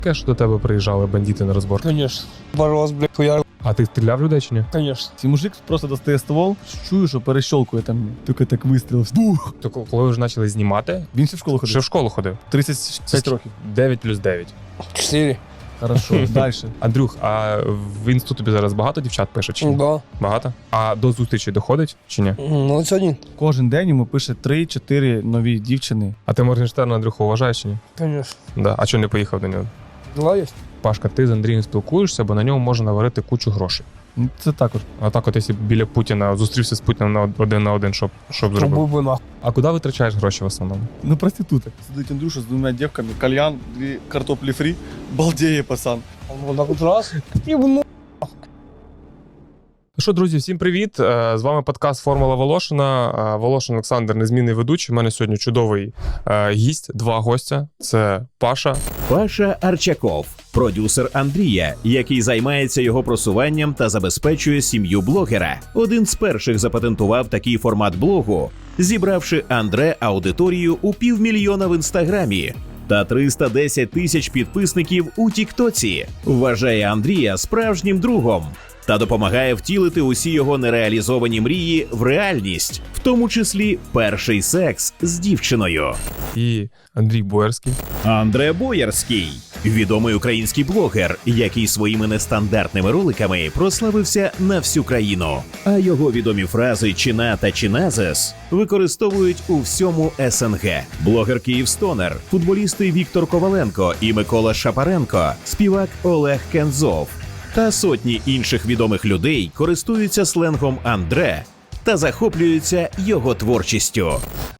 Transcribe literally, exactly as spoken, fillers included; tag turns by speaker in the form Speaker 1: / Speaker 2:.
Speaker 1: Таке, що до тебе приїжджали бандити на розбор.
Speaker 2: Конечно. Боролся, блядь, хуяр.
Speaker 1: А ти стріляв людей чи ні?
Speaker 2: Конечно.
Speaker 3: Цей мужик просто достає ствол, чую, що перещолкує там, тільки так вистріл. Бух!
Speaker 1: То коли ви вже почали знімати,
Speaker 3: Він ще в школу ходив.
Speaker 1: ще в школу ходив.
Speaker 3: тридцять п'ять років.
Speaker 1: дев'ять плюс дев'ять.
Speaker 2: Четыре.
Speaker 3: Хорошо, далі.
Speaker 1: Андрюх, а в інсту тобі зараз багато дівчат пише чи ні?
Speaker 2: Да.
Speaker 1: Багато? А до зустрічі доходить чи ні?
Speaker 2: Ну, это один.
Speaker 3: Кожен день йому пише три-чотири нові дівчини.
Speaker 1: А ти Моргенштерна, Андрюху, вважаєш чи ні?
Speaker 2: Конечно.
Speaker 1: Да. А чого не поїхав до нього?
Speaker 2: Дела есть?
Speaker 1: Пашка, ти з Андрієм спілкуєшся, бо на ньому можна наварити кучу грошей.
Speaker 3: Ну, це також.
Speaker 1: А так от, якщо біля Путіна зустрівся з Путіним на один на один, щоб, щоб зробив.
Speaker 2: Трубу бы нахуй.
Speaker 1: А куди витрачаєш гроші в основному?
Speaker 3: Ну, проституток. Сидить Андрюша з двома дівками, кальян, дві картоплі фрі. Балдеє, пацан.
Speaker 2: Он вот так вот раз. Ебну.
Speaker 1: Ну що, друзі, всім привіт! Е, З вами подкаст «Формула Волошина». Е, Волошин Олександр, незмінний ведучий. У мене сьогодні чудовий е, гість, два гостя. Це Паша.
Speaker 4: Паша Арчаков, продюсер Андрія, який займається його просуванням та забезпечує сім'ю блогера. Один з перших запатентував такий формат блогу, зібравши Андре аудиторію у півмільйона в інстаграмі та триста десять тисяч підписників у Тіктоці. Вважає Андрія справжнім другом та допомагає втілити усі його нереалізовані мрії в реальність, в тому числі перший секс з дівчиною.
Speaker 1: І Андрій Боярський.
Speaker 4: Андре Боярський – відомий український блогер, який своїми нестандартними роликами прославився на всю країну. А його відомі фрази «чина» та «чиназес» використовують у всьому ес ен ге. Блогер Київстонер, футболісти Віктор Коваленко і Микола Шапаренко, співак Олег Кензов та сотні інших відомих людей користуються сленгом Андре та захоплюються його творчістю.